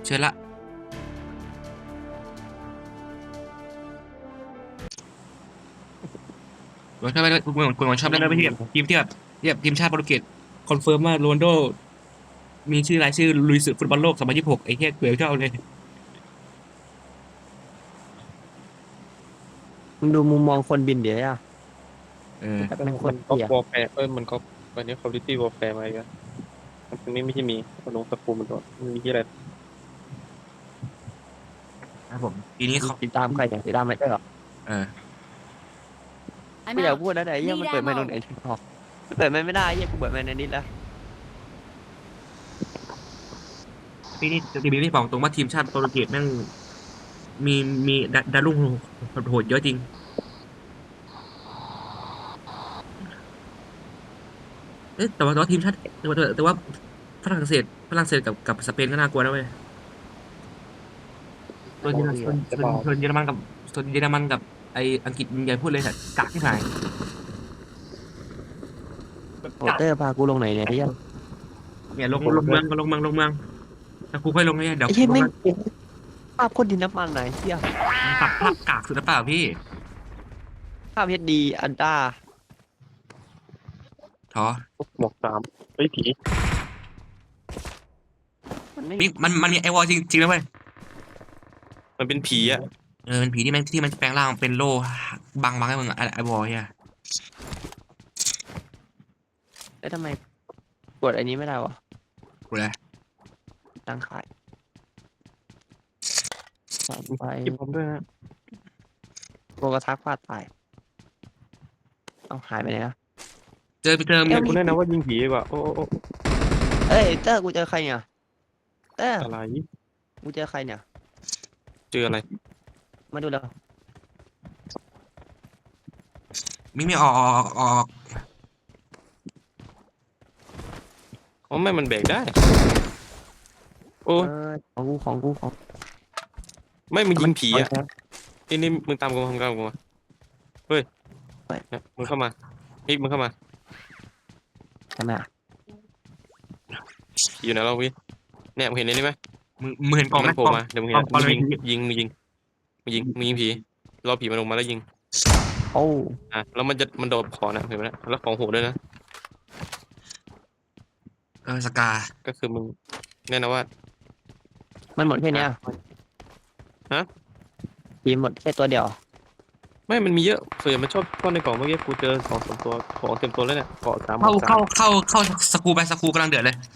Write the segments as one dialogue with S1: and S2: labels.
S1: เชิญละผมชอบผมชอบเล่นด้วยที่แบบทีมที่แบบทีมชาติโปรตุเกสคอนเฟิร์มว่าโรนัลโดมีชื่อรายชื่อลุยสึกฟุตบอลโลก2026ไอ้เหี้ยเกลือชอบเลย
S2: มึงดูมุมมองคนบินเดี๋ยวอ่ะ
S1: เออ
S2: จะเป็นค
S3: มันก็
S2: นเกลียด
S3: วอลแฟร์มันก็วันนี้คอมพิวตี้วอลแฟร์มาอีกแล้วมันไม่ใช่มีมันลงสกูมันตัวมันมีที่อะไร
S1: ครับผมปีนี้เขา
S2: ติดตามใครอย่างติดตามอะไรก็หรอ
S1: เออ
S2: กู
S4: I'm
S2: อยาก
S4: out.
S2: พูดนะแต่เฮีย
S4: Need
S2: มันเปิดไม่ลง
S4: ammo.
S2: ไหนถึงพอเปิดไม่ได้เฮียกูเปิดไม่ในนิดแล้ว
S1: ปีนี้บอกตรงว่าทีมชาติโปรตุเกสแม่งมีมีดาวรุ่งโหดเยอะจริงเอ๊ะแต่ว่าทีมชาติแต่ว่าฝรั่งเศสกับสเปนก็น่ากลัวนะเว้ยส่วนเยอรมัน
S3: จะบอก
S1: ส่วนเยอรมันกับส่วนเยอรมันกับไออังกฤษมึงอย่าพูดเลยแต่กากที่ไหน
S2: โอเตอร์พากูลงไหนเนี่ยเฮีย
S1: เนี่ยลงเมืองแล้วกูค่อยลงให้เดี๋ยว
S2: ไอ้เฮียไม่
S1: ลงมา
S2: ภาพคนดินน้ำมันไหนเฮีย
S1: ตัดภาพกากสุดหรือเปล่าพี่
S2: ภาพเฮดดีอันต้า
S1: ท้อ
S3: หมวกสามเฮ้ยผี
S2: มันไม่
S1: นี่มันมีไอวอลจริงนะเว้ย
S3: มันเป็นผีอ่ะ
S1: เออเป็นผีที่มันแปลงร่างเป็นโล่บังให้มึงอะไอวอลเนี่ย
S2: แล้วทำไมกดอันนี้ไม่ได้วะ
S1: กูเลย
S2: ตั้งขายใส่ไป
S3: คิดผมด้วยนะ
S2: โกกระทักฟาดตายเอาหายไปไหนอ่ะ
S1: ไปเจอมี
S2: เอ้ย
S3: คุณแนะนำว่ายิงผีดีกว่าโอ้
S2: เอ้ยเตอร์กูเจอใครเนี่ยเตอร์
S3: อะไร
S2: กูเจอใครเนี่ย
S3: เจออะไร
S2: มาดูแล้ว
S1: มีออก
S3: อ๋อไม่มันแบกได้โอ้
S2: เออของกู
S3: ไม่มึงยิงผีอ่ะ
S2: เอาแล้ว
S3: นี่มึงตามกูมาเฮ้ยเนี่ยมึงเข้ามามึงเข้ามา
S2: ทำไมอ่ะ
S3: ผีอยู่ไหนเราพี่เนี่ยมึงเห็นนี่ไหม
S1: มึงเห็นกล่องไหม
S3: มันโผล่มาเดี๋ยวมึงเห็น
S1: กล่องเลย
S3: มึงยิงผีรอผีมันลงมาแล้วยิง
S2: โอ้
S3: แล้วมันโดดขอนะเห็นไหมนะแล้วของโหดด้วยนะ
S1: เออสกา
S3: ก็คือมึงแน่นอนว่า
S2: มันหมดแค่เนี้ย
S3: ฮะ
S2: ทีมหมดแค่ตัวเดียว
S3: ไม่มันมีเยอะส่วนใหญ่มันชอบซ่อนในกล่องเมื่อกี้กูเจอ2-3ตัวของเต็มตัวแล้วเนี่ยเกาะสามหม
S1: เข้า
S3: วกสาม
S1: เข้าเข้าเข้าสกูกำลังเดือดเลย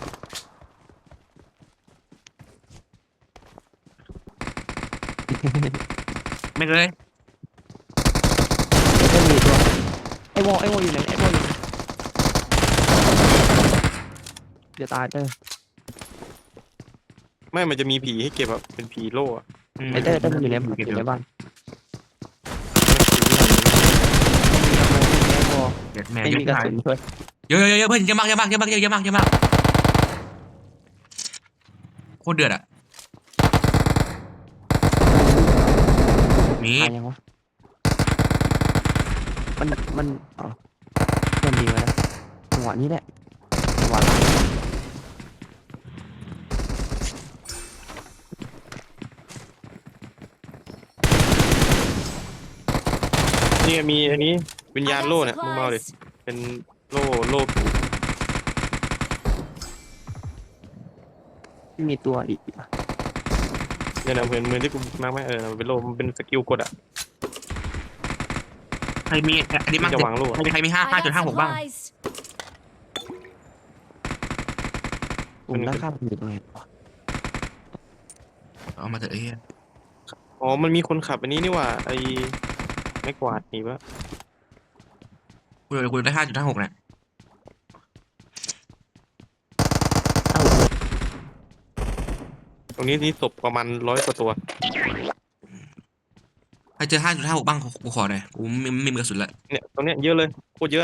S1: ไม่เลย
S2: แล้วก็มีตัวไอ้วออยู่ไหนไอ้วออยู่ไหนเดี๋ยวตายเตอร์
S3: ไม่มันจะมีผีให้เก็บแบบเป็นผีโล่อะ
S2: ไอ้เตอร์มันอยู่ในบ้านอยู่ในบ้านไอ้วอ
S1: เดือดแม่
S2: ไม่
S1: เยอะ
S2: มีกระสุนด้วย
S1: เยอะเพื่อนเยอะมากโคตรเดือดอ่ะมี
S2: ตายยังวะมันอ๋อมันดีมาแล้วจังหวะนี้แหละจังหวะ
S3: นี่มีอันนี้วิญ
S4: I
S3: ญาณ
S4: got
S3: โล่เนี่ยมึงมาเอาดิ
S4: supplies.
S3: เป็นโล่ผี
S2: ที่มีตัวอีกอ่ะ
S3: เนี่ยนะเหมือนที่กูมาร์กไหมมันเป็นโล่มันเป็นสกิลกดอ่ะ
S1: ใครมีอันนี้
S3: มั
S1: มั่
S3: น
S1: ง
S3: จะวางโล่อะ
S1: ใครมี
S4: I got
S1: 5.56บ้าง
S4: supplies.
S2: กลุ่มด้านข้างมันอยู่ตรงไหนวะ
S1: เอามาเถอะไอ้เหี้ย
S3: อ๋อมันมีคนขับอันนี้นี่หว่าไอ้ไม้กวาดหนีปะ
S1: กูได้5.56เนี่ย
S2: เอ้า
S3: ตรงนี้นี่ศพประมาณ100 กว่าตัว
S1: ใครเจอ5.56บ้างกูขอหน่อยกูไม่มีกระสุนละ
S3: เนี่ยตรงเนี้ยเยอะเลยโคตรเยอะ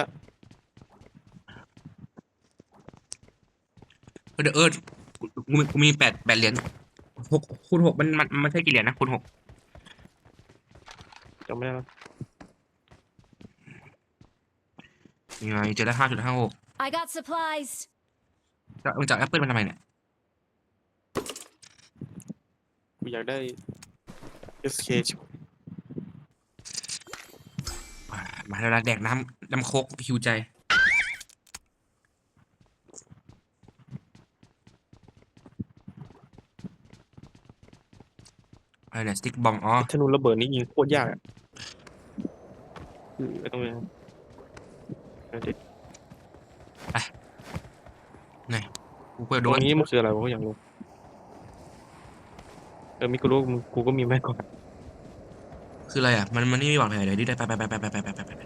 S1: เดี๋ยวกูมี8 เหรียญ6 คูณ 6มันใช่กี่เหรียญนะคูณ 6
S3: จำไม่ได้แล้ว
S1: ยังไงเจอได้5.56
S4: I got supplies.
S1: มึงจากแอปเปิลมันทำไมเนี่ย
S3: อยากได้ SK ชิบ
S1: มาแล้วนะแดกน้ำโคกหิวใจอะไรเนี่ยสติ๊กบอมอ๋อ
S3: ธนูระเบิดนี่ยิงโคตรยากอะไม่ต้องเลยเอาดิ
S1: ไงกูเปิด
S3: ต
S1: โด
S3: รง
S1: น
S3: นี้มันคืออะไรวะกูอยากรู้มิกูรู้กูก็มีแม่ก่อน
S1: คืออะไรอ่ะมันนี่ไม่บอกเลยเดี๋ยวดิได้ไป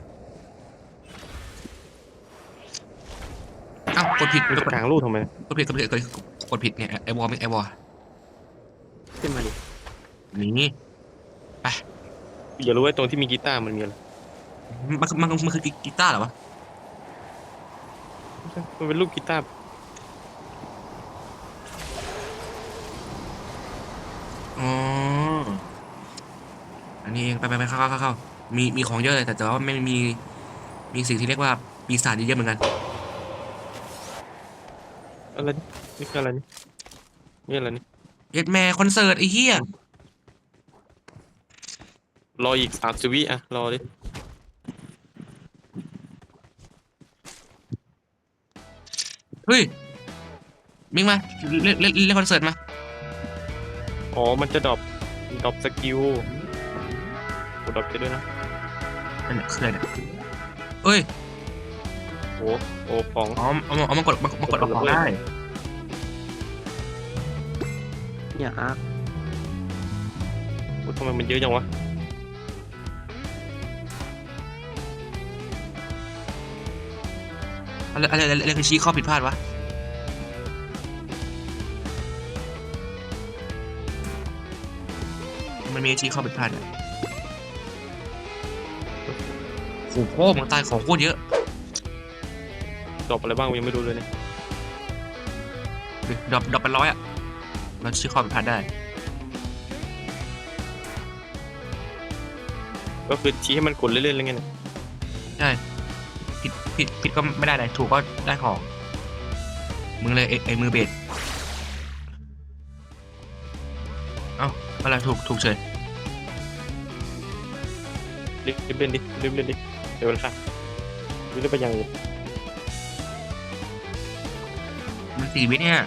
S1: เอ้ากดผิด
S3: มึงจะกางรูปทำไม
S1: กดผิดเนี่ยไอวอลไม่ไอวอล
S2: ขึ้นมาดิ
S1: นี่
S3: อย่ารู้ว่าตรงที่มีกีตาร์มันมีอะไร
S1: มันคือกีตาร์เหรอวะ
S3: มันเป็นรูปกีตาร์
S1: อ๋ออันนี้เองไปเข้ามีของเยอะเลยแต่ว่าไม่มีสิ่งที่เรียกว่าปีศาจเยอะเหมือนกัน
S3: อะไรนี่นี่คืออะไรนี่นี่อะไรนี่
S1: เย็ดแม่คอนเสิร์ตไอ้เหี้ย
S3: รออีก30 วิอะรอดิ
S1: เฮ้ยมิงมาเล่นคอนเสิร์ตมา
S3: อ๋อมันจะดรอปสกิลกูดรอปไปด้วยนะ
S1: อันนี้คืออะไรเนี่ยเอ้ย
S3: โอ้โอ้ของ
S1: อ๋อเอามากดเอาของได้
S2: เนี่ยอาร์ค
S3: โอ้ทำไมมันเยอะจังวะ
S1: อะไรคือชี้ข้อผิดพลาดวะมันมีชี้ข้อผิดพลาดเนี่ยโอ้โหมันตายของโคตรเยอะ
S3: ดรอปอะไรบ้างกูยังไม่รู้เลยเนี่ย
S1: ดับเป็น100อ่ะเราชี้ข้อผิดพลาดได้
S3: ก็คือชี้ให้มันกดเล่นๆอะไรเงี้ยเนี่ย
S1: ใช่ผิดก็ไม่ได้เลยถูกก็ได้ของมึงเลยไอ้มือเบสเอ้าอะไรถูกเฉย
S3: รีบเล่นดิรีบเล่นดิเดี๋ยวเวลารีบไปอย่างอื่น
S1: มัน4 วิเนี่ย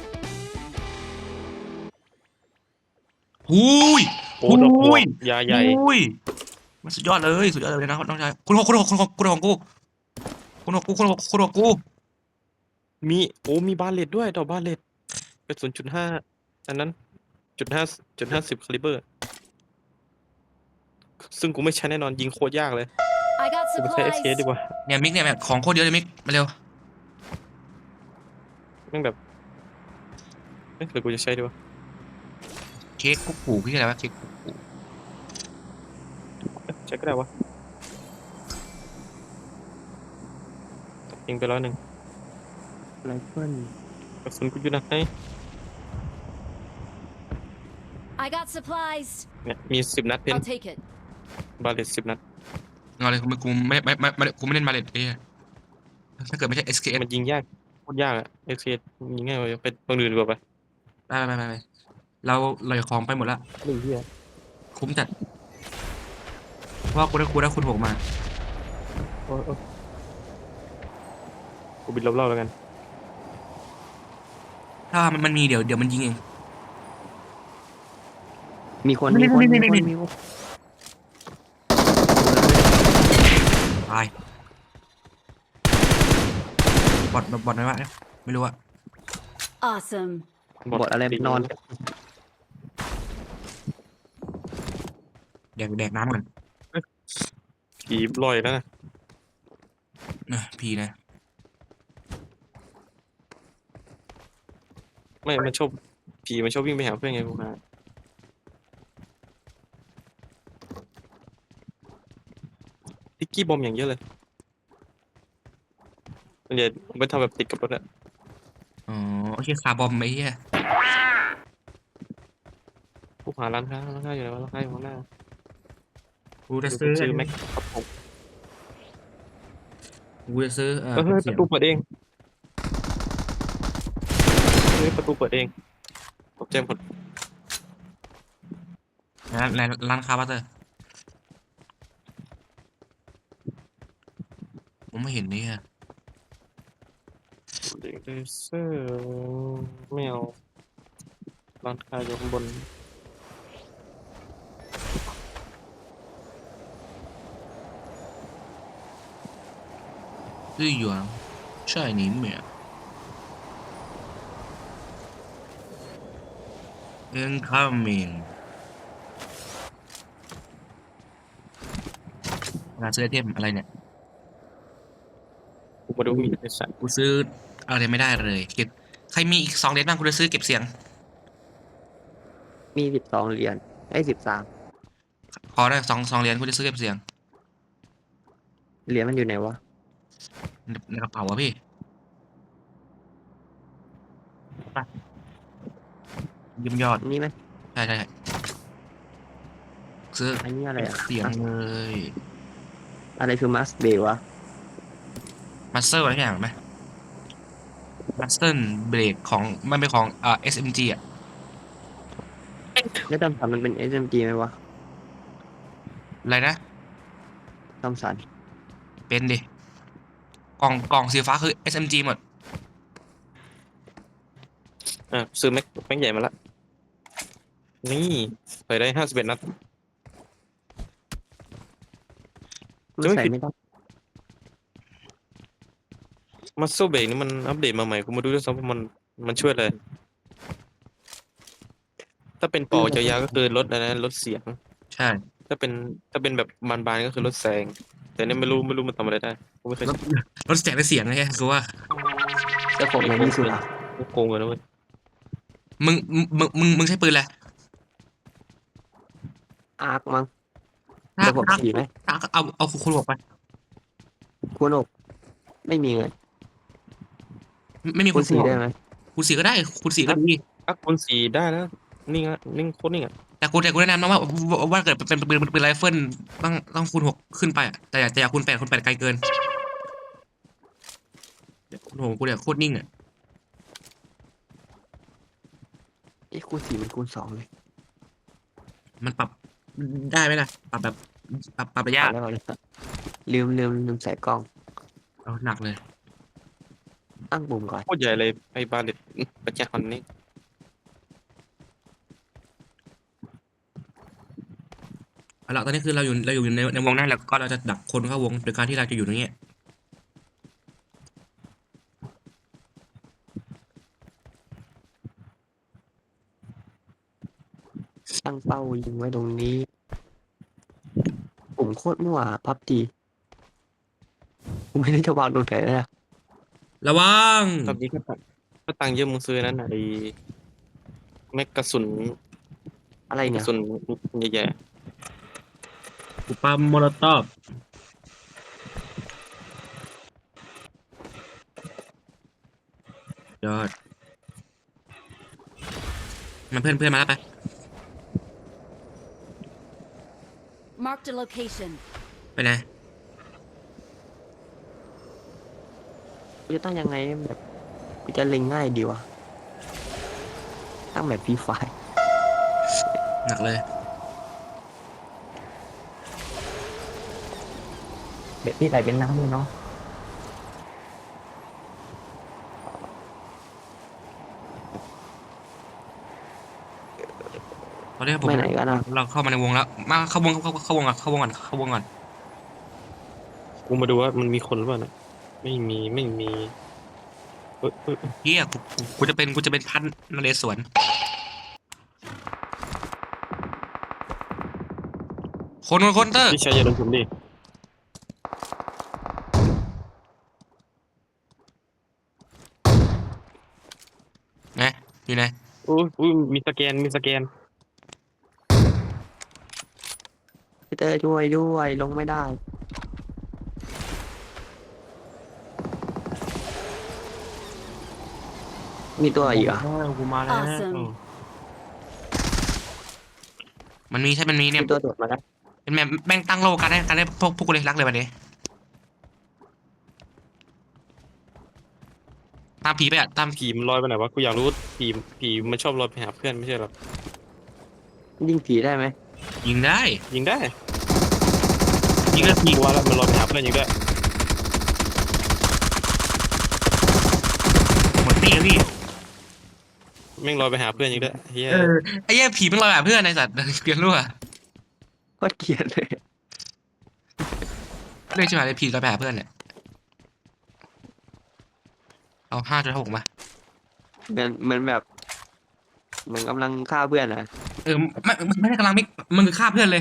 S1: หุย
S3: โอ้ดรอปหัวยาใหญ่
S1: หุยมันสุดยอดเลยนะน้องชายคุณหกของกูคุณหกกู
S3: มีบาเลตด้วยดอกบาเลตกระสุน.5อันนั้น.50คาลิเบอร์ซึ่งกูไม่ใช้แน่นอนยิงโคตรยากเลย
S4: I got
S3: กูไปใช้ SK
S4: supplies.
S3: ดีกว่า
S1: เนี่ยมิกเนี่ยแบบของโคตรเยอะเลยมิกมาเร็ว
S3: แม่งแบบเอ๊ะหรือกูจะใช้ดีวะ
S1: เค้กกุ๊กกูพี่อะไรวะเค้กกุ๊กกู
S3: ใช้ก็ได้วะยิงไป100
S2: ไรเฟิล
S3: กระสุนกูอยู่ไหน
S4: I got supplies.
S3: เนี่ยมี10 นัดเพน
S4: I'll take it.
S3: บาเลต10 นัด
S1: เอาเลยกูไม่เล่นมาเลยเอ้ยถ้าเกิดไม่ใช่ SKS
S3: มันยิงยากโคตรยากอะ SK ยิงง่ายกว่าไปตรงอื่นดีกว่าไป
S1: ไปเราเลยของไปหมดละ
S3: หนึ่งเที่ย
S1: คุ้มจัดเพราะว่ากูได้คุณหกมา
S3: โอ้กูบินรอบๆแล้วกัน
S1: ถ้ามันมีเดี๋ยวมันยิงเอง
S2: มีคน
S1: นี่
S2: มีคน
S1: ตายบอทไหมวะเนี่ยไม่รู้อะ
S4: Awesome.
S2: บทอะไรนอน
S1: แดกน้ำก่อน
S3: ผีลอยแล้วนะ
S1: พีนะ
S3: ไม่มันชอบผีมันชอบวิ่งไปหาเพื่อนไงกูหาทิกกี้บอมอย่างเยอะเลยเดี๋ยวไปทำแบบติดกับรถอะ
S1: อ๋อโอเคคาร์บอมไอ้เหี้ย
S3: กูหาร้านค้าอยู่ไหนวะร้านค้าอยู่ข้างหน้า
S1: กูจะซื้อ
S3: ซื้อแม็กครับผม
S1: กูจะซื้อ
S3: เฮ้ยประตูเปิดเองเฮ้ยประตูเปิดเองตกใจหมด
S1: ในร้านค้าบัตเตอร์ผมไม่เห็นนี่อะ
S3: เด็กเลเซอร์ไม่เอาร้านค้าอยู่ข้างบน
S1: 日元在里面 incoming งานซื้อไอเทมอะไรเนี่ย
S3: กูมาดูมีไอ้สัตว์
S1: กูซื้ออะไรไม่ได้เลยเก็บใครมีอีก2 เหรียญบ้างกูจะซื้อเก็บเสียง
S2: มี12 เหรียญไอ้13
S1: ขอได้สองเหรียญกูจะซื้อเก็บเสียง
S2: เหรียญมันอยู่ไหนวะ
S1: ในกระเป๋าอะพี่ไปยืมยอด
S2: อันนี้ไหม
S1: ใช่ซื้อ
S2: อันนี้อะไร
S1: เก็บ
S2: อ่ะ
S1: เสียงเลย
S2: อะไรคือมัสเบย์วะ
S1: มาสเตอร์อะไรอย่างไหมมาสเตอร์เบรกของมันเป็นของSMG อ่ะ
S2: แล้วดำสันมันเป็น SMG ไหมวะ
S1: อะไรนะ
S2: ดำสัน
S1: เป็นดิกล่องสีฟ้าคือ SMG หมด
S3: ซื้อแม็กใหญ่มาละนี่เปิดได้51 นัด
S2: มัน
S3: จะไม่
S2: ใส่
S3: ผิด
S2: ไม่ได้
S3: มัสโซเบรกนี่มันอัปเดตมาใหม่กูมาดูด้วยซ้ำว่ามันช่วยอะไรถ้าเป็นปอกยาวๆก็คือลดอะไรนะลดเสียง
S1: ใช่
S3: ถ้าเป็นแบบบานๆก็คือลดแสง แต่เนี่ยไม่รู้มันทำอะไรได้กูไม่เคย
S1: รถแจกได้เสียงไงคือว่า
S2: แต่ผมมันมีสุดอ่ะ
S3: กูโกงเลยนะเว้ย
S1: มึงใช้ปืนอะไร
S2: อาร์คมั้ง
S1: ถ้า
S2: ระบบสีไหม
S1: เอาคุณบอกไป
S2: คูณ6ไม่มีเงิน
S1: ไม่มี
S2: คูณ4ได้ไหม
S1: คูณ4ก็ได้คูณ4ก็ดี
S3: คูณ4ได้แล้วนิ่งอะนิ่งโคตรนิ่งอะ
S1: แต่กูแนะนำนะว่าเกิดเป็นปืนไรเฟิลต้องคูณ6ขึ้นไปอะแต่อย่าคูณ 8ไกลเกินคูณ 6กูเนี่ยโคตรนิ่งอ่ะ
S2: ไอ้คูณ4มันคูณ2เลย
S1: มันปรับได้ไหมล่ะปรับแบบปรับระยะ
S2: เอาแล้วลืมใส่กล้อง
S1: เอาหนักเลย
S2: ตั้งปุ่มก่อน
S3: โคตรใหญ่เลยไอ้บาเลตปัญญาอ่อนนี่
S1: เอาละตอนนี้คือเราอยู่ในวงนั้นแล้วก็เราจะดักคนเข้าวงโดยการที่เราจะอยู่ตรงนี้
S2: ตั้งเป้ายิงไว้ตรงนี้ ปุ่มโคตรมั่วพับจีกูไม่ได้จะวางตรงไหนเลยอะ
S1: ระวัง
S3: ตอนนี้ก็ตังค์เยอะมึงซื้อนั้นน่ะไอ้แม็กกระสุน
S2: อะไร
S3: ก
S2: เนี่
S3: ระ
S2: ย
S3: สุนใหญ่
S1: กูปาโมโลตอบยอดมันเพื่อนมาแล้วไป
S4: Marked a location.
S1: ไปไหน
S2: กูจะตั้งยังไงแบบกูจะเล็งง่ายดีวะตั้งแบบฟรีไฟ
S1: หนักเลย
S2: แบบที่ไหลเป็นน้ำเลยเนาะ
S1: ตอนนี้ผม
S2: ไม่ไหนก็นะ
S1: เราเข้ามาในวงแล้วมาเข้าวงก่อน
S3: ๆกูมาดูว่ามันมีคนหรือเปล่านะไม่มีเอ้ย
S1: เฮียกูจะเป็นพันนเรศวรคนเตอร์
S3: พี่ชายอย่าโดนผมดิ
S1: ไงอยู่ไหน
S3: อุ้ยมีสแกน
S2: พี่เตอร์ช่วยด้วยลงไม่ได้ มีตัวอีกเหรอ่ะ
S3: กูมาแล้ว
S4: Awesome
S1: มันมีเนี่ย
S2: มีตัวโดดมาแล้ว
S1: เป็นแม่งตั้งโลกันได้พวกกูเลยรักเลยวันนี้ตามผีไปอ่ะตาม
S3: ผีมันลอยไปไหนวะกูอยากรู้ผีมันชอบลอยไปหาเพื่อนไม่ใช่หรอ
S2: ยิงผีได้ไหม
S1: ยิงได้
S3: ยิงได้
S1: ยิงก็ยิง
S3: กลัวแล้วมันลอยไปหาเพื่อนยิงได้
S1: หมดตีแล้วพี่
S3: แม่งลอยไปหาเพื่อนยิงได้เฮีย
S1: ไอ้เหี้ยผีมันลอยแบบเพื่อนไอ้สัตว์เกลียดรั่ว
S2: โคตรเกลียดเลย
S1: เรื่องชิบหายเลยผีลอยไปหาเพื่อนเนี่ยเอา5.6มา
S2: เหมือนแบบเหมือนกำลังฆ่าเพื่อนอะ
S1: ไม่ได้กำลังมิกมันคือฆ่าเพื่อนเลย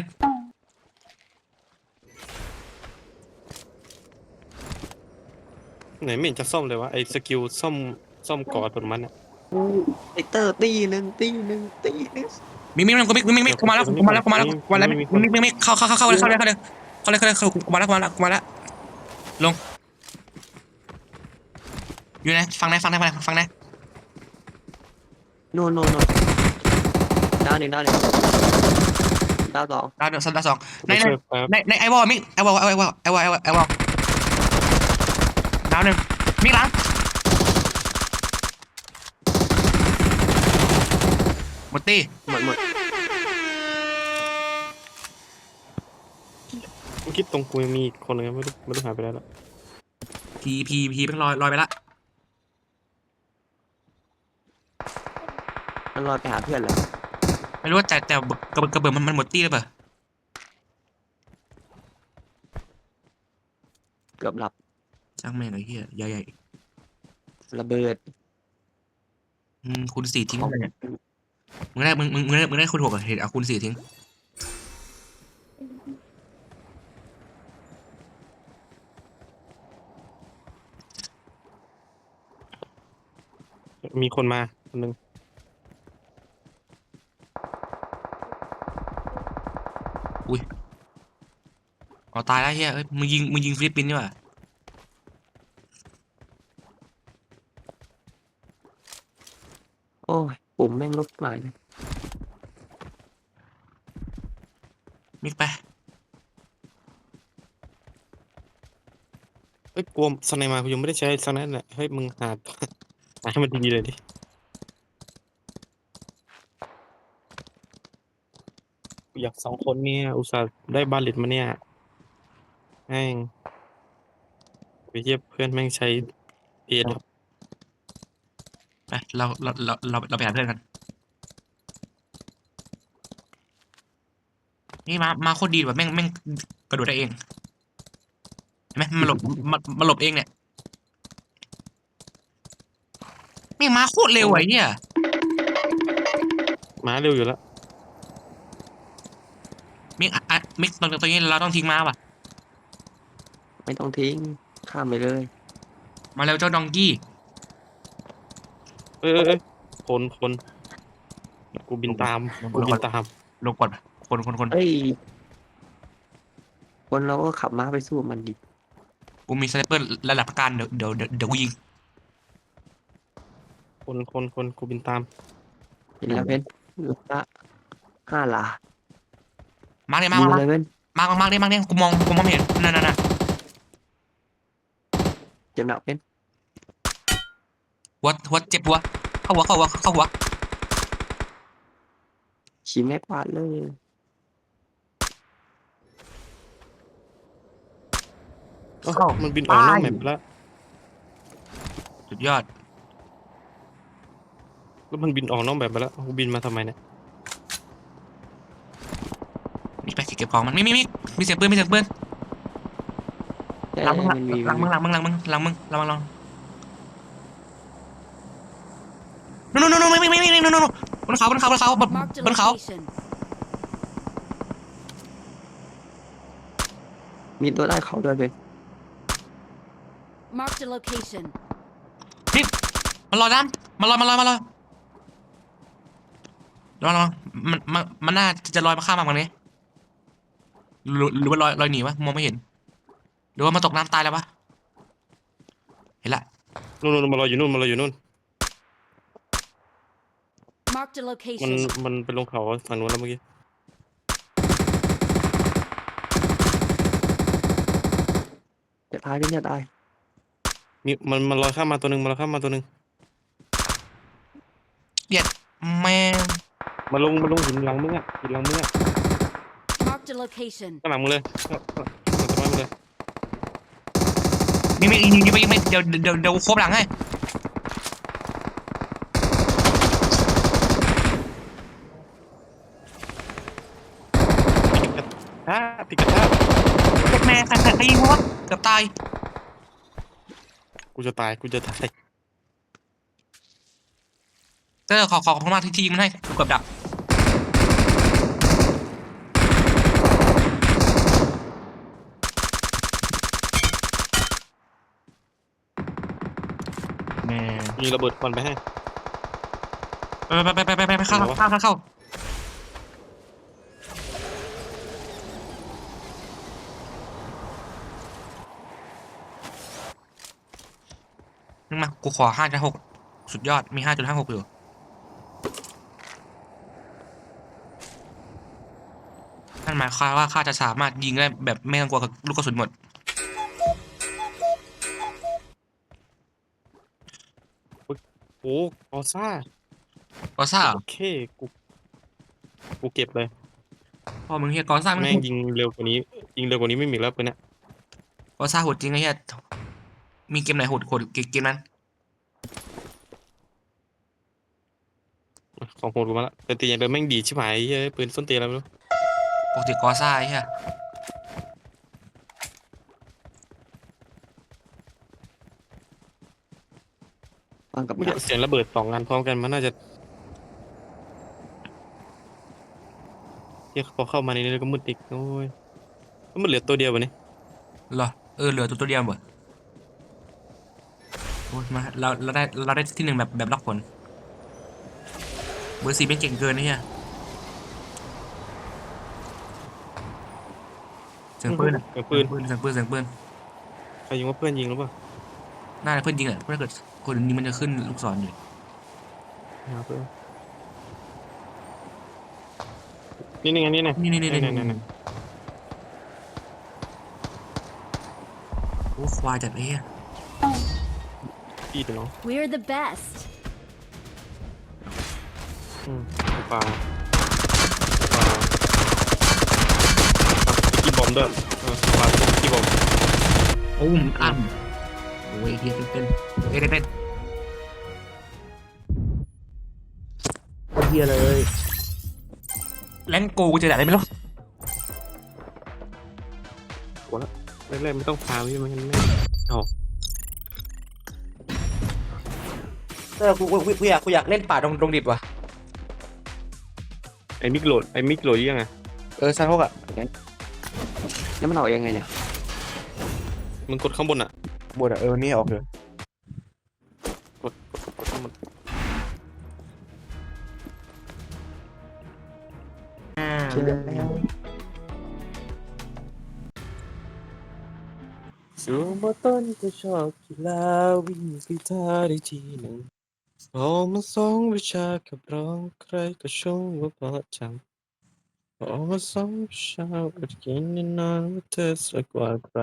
S3: ไหนไม่เห็นจะซ่อมเลยวะไอ้สกิลซ่อมกอดตัวมันอะ
S2: ไอเตอร์ตีหนึ่งตีหนึ่งตีหนึ่ง
S1: มิกกูมาแล้วมิกเข้าเลยกูมาแล้วลงอยู่ไหนฟังไหน
S2: โน่ดาวหนึ่งดาวสอง
S1: ดาวสองใน
S3: ไม่ช่วยแป๊บ
S1: ในไอวอลมิกไอวอลดาวหนึ่งมิกหลังหมดตี
S2: หมด
S3: เมื่อกี้ตรงกูยังมีอีกคนนึงไม่รู้หายไปแล้วล่ะ
S1: พีเป็นลอยไปละ
S2: มันลอยไปหาเพื่อนเลย
S1: ไม่รู้ว่าแต่กระเบื้องมันหมดตีหรือเปล่า
S2: เกือบหลับ
S1: ช่างแม่งไอ้เหี้ยใหญ่
S2: ระเบิด
S1: คูณ 4ทิ้งไปเนี่ยมึงได้คูณ 6อ่ะเห็นเอาคูณ 4ทิ้ง
S3: มีคนมาคนนึง
S1: อ๋อตายแล้วเฮียเอ้ยมึงยิงฟิลิปปินส์นี่หว่า
S2: โอ้ยปุ่มแม่งลบหลายเลย
S1: มิกไป
S3: เอ้ยกลัวสไนมากูยังไม่ได้ใช้สไนนั่นแหละเฮ้ยมึงหา หาให้มันดีๆเลยดิกูอยาก2 คนเนี่ยอุตส่าห์ได้บาเลตมาเนี่ยแม่งไปเทียบเพื่อนแม่งใช้เอ็ด
S1: ไปเราไปหาเพื่อนกันนี่มาโคตรดีว่ะแม่งกระโดดได้เองเห็นไหมมันหลบเองเนี่ยแม่งมาโคตรเร็วไอ้เหี้ย
S3: ม้าเร็วอยู่แล้ว
S1: มิกตรงนี้เราต้องทิ้งม้าว่ะ
S2: ไม่ต้องทิ้งข้ามไปเลย
S1: มาเร็วเจ้าดองกี้
S3: เอ้ยคนกูบินตามกูบินตาม
S1: ลงก่อนคน
S2: เอ้ยคนเราก็ขับม้าไปสู้มันดิ
S1: กูมีสไนเปอร์ระดับประกันเดี๋ยวกูยิง
S3: คนกูบินตาม
S2: เห็นแล้วเพนละ5 หลา
S1: มาร์กเลย
S2: ยิงเลยเพน
S1: มาร์กเลยกูมองไม่เห็นนั่น
S2: เจ็บหนักเพน
S1: หัวเจ็บหัวเข้าหัว
S2: ฉีแม็กวาดเลย
S3: มันบินออกนอกแมปไปแล้ว
S1: สุดยอด
S3: แล้วมันบินออกนอกแบบไปแล้วกูบินมาทำไมเนี่ย
S1: มีไปเก็บของมันมีเสียงปืนหลังมึงนู่นไม่บนเขา
S4: Marked a
S1: บนเขา
S4: location.
S2: มีตัวได้เขาด้วยเพน
S4: Marked a location.
S1: มันลอยน้ำมันลอยระวังมันน่าจะลอยมาข้ามมาตรงนี้หรือว่าลอยหนีวะมองไม่เห็นหรือว่ามันตกน้ำตายแล้ววะเห็นละ
S3: นู่นมารออยู่นู่น
S4: Marked a
S3: มัน
S4: location.
S3: มันไปลงเขาฝั่งนู้นแล้วเมื่อกี้
S2: จะตายเพนจะตาย
S3: มันลอยข้ามมาตัวหนึ่ง
S1: แม่ง
S3: มาลงหินหลังมึงอ่ะ
S4: Marked a location.
S3: ข้างหลังมึงเลยข้างหลังมึงเลย
S1: ยิงไปเดี๋ยวโคบหลังให้
S3: ติดกระทะ
S1: แม่ใครยิงวะเกือบตาย
S3: กูจะตาย
S1: ขอบคุณมากที่ยิงมันให้กูเกือบดับแม่
S3: ยิงระเบิดควันไปให้
S1: ไปเข้านึกมากูขอ5.6สุดยอดมี5.56อยู่นั่นหมายความว่าข้าจะสามารถยิงได้แบบไม่ต้องกลัวกับลูกกระสุนหมด
S3: โอ้กอซ่า
S1: กอซ่า
S3: โอเค กูเก็บเลย
S1: พอมึงเฮียกอซ่ามึง
S3: แม่งยิงเร็วกว่านี้ไม่มีแล้วปืนเนี่ย
S1: กอซ่าโหดจริงไอ้เฮียมีเกมไหนโหดเกมนั้น
S3: ของโหดกูมาละแต่ตีอย่างเดิมแม่งดีชิบหายเฮ้ยปืนส้นเตียนแล้วไม่รู้
S1: ปกติกอซ่าไอ้เฮีย
S2: วางกับ
S3: เมื่อ
S2: ดั
S3: กี้
S2: ก
S3: เสียงระเบิด2 อันพร้อมกันมันน่าจะที่พอเข้ามาในนี้ก็มืดอีกโอ้ยมันเหลือตัวเดียววะนี่
S1: เหรอเหลือตัวเดียวเว้ยโอ้ยมาเราได้ที่หนึ่งแบบล็อกผลเบอร์4เป็นเก่งเกินไอ้เฮียเสียงปืน
S3: เสียงปืน
S1: เสียงปืน
S3: ใครยิงว่าเพื่อนยิงหรือเปล่า
S1: น่าจะเพื่อนยิงแหละเพราะถ้าเกิดคนอื่นยิงมันจะขึ้นลูกศรอยู่
S3: หาเพื่อนนี่ไงนี่ไง
S1: นี่
S3: นี่
S1: โอ้ควายจัดไอ้เฮีย
S3: พี่เดี๋ยวน้อง
S4: We're the best.
S3: เปล่ากี่บอมด้วยปากี่บอม
S1: โอ้มอันโอ้ยเฮียเต้นเฮียเลยแรงโกกูจะได้ไม่รู้
S3: แรกๆไม่ต้องพาพี่มันไม่เอา
S1: กูอยากเล่นป่าตรงดิบว่ะ
S3: ไอ้มิกโหลดยังไง
S1: ซันพวกอ่ะ
S2: แล้วมันออกยังไงเนี่ย
S3: มึงกดข้างบนอ่ะ
S1: บนอ่ะนี่ออกเลย
S3: กดข้างบน
S2: เชื่อแล้ว
S3: สูงมาต้นก็ชอบกีฬาวิ่งกีตาร์ได้ทีหนึ่งพอมา2 วิชากับร้องใครก็ชมว่าเพราะจังพอมา2 วิชาก็กินนานว่าเธอสวยกว่าใคร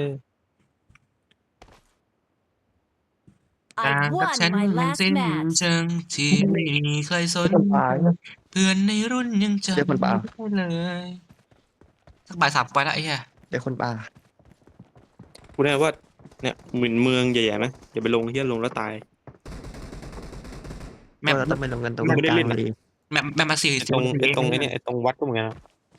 S4: I won
S1: ฉัน
S4: my
S1: ยัง
S4: last
S1: สิ้น
S4: match.
S1: เชิงที่ไม่มีใครสนเพื่อนในรุ่นยังจำไม่ได้เลยสักบ่าย 3ไปแล้วไอ้เหี้ย
S2: เดี๋ยวคนป่า
S3: พูดได้ว่าเนี่ยเหมือนเมืองใหญ่ๆไหมอย่าไปลงเฮียลงแล้วตาย
S1: แม่
S2: เราต้องไปลงกันตรง
S3: ไม่ได้
S2: กลาง
S3: เล่นนะ
S2: เลย
S1: แม่มาสี่
S3: ไอ้ตรงไอ้เนี่ยไอ้ตรงวัดก็เหมือนกันนะ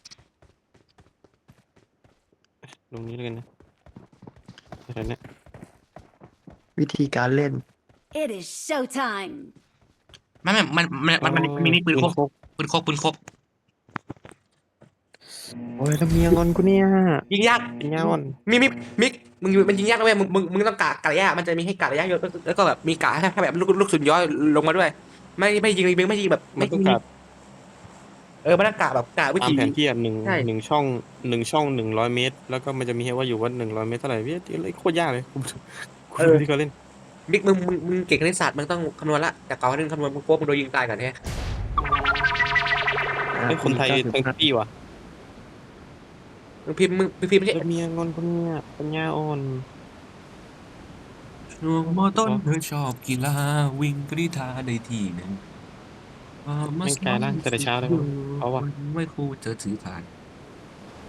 S3: ลงนี้แล้วกันนะอะไรเนี่ย
S2: วิธีการเล่น
S4: It is showtime.
S1: มันมีปืนครบ
S3: โอ้ยทำเมียงอนกูเนี่ย
S1: ยิงยาก
S3: เป็นยาอ่อน
S1: มิกมันยิงยากนะเว้ยมึงต้องกะระยะมันจะมีให้กะระยะเยอะแล้วก็แบบมีกะให้แบบลูกสุนย้อยลงมาด้วยไม่ยิงไม่ยิงแบบ
S3: มั
S1: ไม่
S3: นต้อง
S1: ยิง
S3: กลับ
S1: มันต้องกะแบบกะวิ
S3: ตาม
S1: ธี
S3: แผนที่อ่ะหนึ่ง
S1: ใช่
S3: หนึ่งช่อง100 เมตร แล้วก็มันจะมีให้ว่าอยู่ว่า100 เมตรเท่าไหร่พี่โคตรยากเลยกูดูที่เขาเล่น
S1: มิกมึงเก่งคณิตศาสตร์มึงต้องคำนวณละจากเก่านึงคำนวณมึงโป๊ะมึงโดนยิงตายก่อนแท้
S3: ไอ้คนไทยทั้งที่ว่ะ
S1: มึงพิมพ์ไม่ใช่
S3: ทำเมียงอนกูเนี่ยเป็นยาอ่อน
S1: ช่วงมต้นเธอชอบกีฬาวิ่งกรีธาได้ทีหนึ่ง
S3: ไม่กลายร่างแต่เช้าเลยเอาว่ะ
S1: ไม่ครูเจอถือผ่าน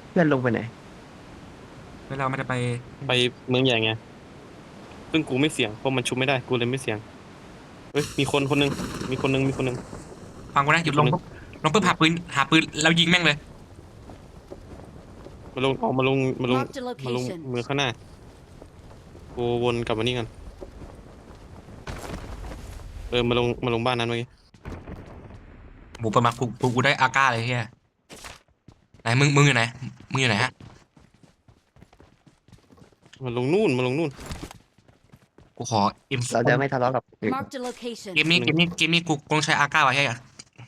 S2: เพื่อนลงไปไหน
S1: แล้วเราไม่ได้ไป
S3: ไปเมืองใหญ่ไงซึ่งกูไม่เสี่ยงเพราะมันชุบไม่ได้กูเลยไม่เสี่ยงเฮ้ยมีคนคนหนึงมีคนหนึงมีคนหนึง
S1: ฟังกูนะหยุดลง
S3: อีกคนหนึ่ง
S1: ปุ๊บลงปุ๊บหาปืนแล้วยิงแม่งเลย
S3: มาลงออกมาลงมาลง
S4: Marked a
S3: มาลง
S4: location.
S3: เมืองข้างหน้ากูวนกลับมานี่กันมาลงบ้านนั้นเมื่อกี้
S1: หมูประมากูได้อาก้าเลยเฮียไหนมึงอยู่ไหนมึงอยู่ไหนฮะ
S3: มาลงนู่นมาลงนู่น
S1: กูขออิม
S2: เราจะไม่ทะเลาะกับ
S4: Marked a location.
S1: เกมนี้กูต้องใช้อาก้าไว้ให้อะ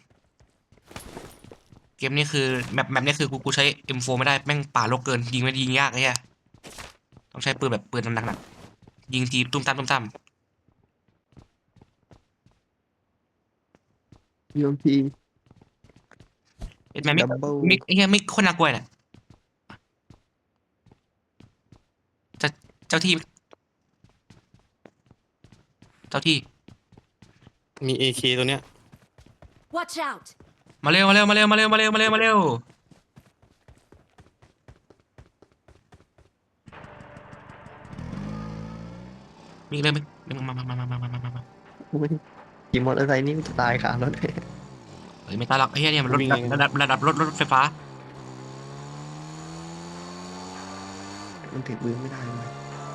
S1: เกมนี้คือแมปนี้คือกูใช้ M4 ไม่ได้แม่งป่าโลกเกินยิงไม่ยิงยากไอ้เหี้ยต้องใช้ปืนแบบปืนหนักๆยิงทีตุ้มตาม
S2: ยูมพี
S1: เป็นแมปไม่
S2: Double
S1: ไม่ไอ้เหี้ยไม่คนน่ากลัวเนี่ยเจ้าที่เจ้าที่
S3: มีเอเคตัวเนี้ย
S4: Watch out.
S1: มาเร็วมีเลยมา
S2: ขี่มอเตอร์ไซค์นี่มันจะตายขารถ
S1: เฮ้ยไม่ตายหรอกไอ้เหี้ยเนี่ยมันรถ
S3: วิ่งไง
S1: ระดับรถไฟฟ้า
S2: มันถือปืนไม่ได้เลย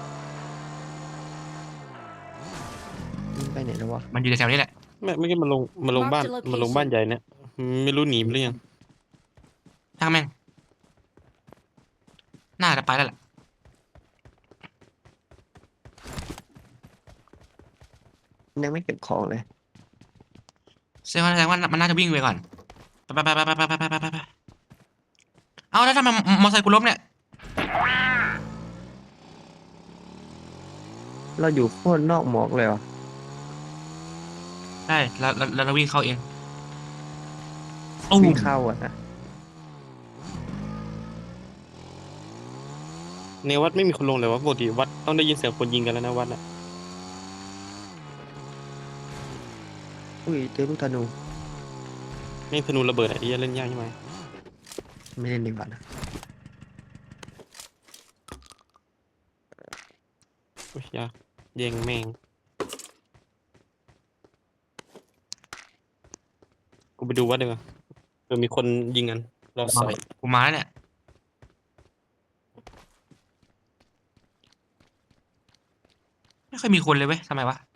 S2: มันไปไหนแล้ววะ
S1: มันอยู่แถวนี้แหละ
S3: ไม่อกี้มาลงบ้าน
S4: Mark the location
S3: มาลงบ้านใหญ่เนี่ยไม่รู้หนีไปหรือยัง
S1: ช่างแม่งน่าจะไปแล้วแหละ
S2: มันยังไม่เก็บของเลย
S1: แสดงว่ามันน่าจะวิ่งไปก่อนไปเอาแล้วทำไมมอไซค์กูล้มเนี่ย
S2: เราอยู่โคตรนอกหมอกเลยวะ
S1: ใช่แล้วเราวิ่งเข้าเองโอ้
S2: วิ่งเข้าอ่ะนะ
S3: ในวัดไม่มีคนลงเลยวะปกติวัดต้องได้ยินเสียงคนยิงกันแล้วนะวัดน่ะ
S2: อุ้ยเจอลูกธนู
S3: แม่งธนูระเบิดอะไอ้เหี้ยเล่นยากใช่ไหม
S2: ไม่เล่นดีกว่านะ
S3: โอ้ยยากแย่งแม่งกูไปดูวัดดีกว่ามีคนยิงกันรอใส่
S1: กูมาแล้วเนี่ยไม่ค่อยมีคนเลยเว้ยทำไมวะ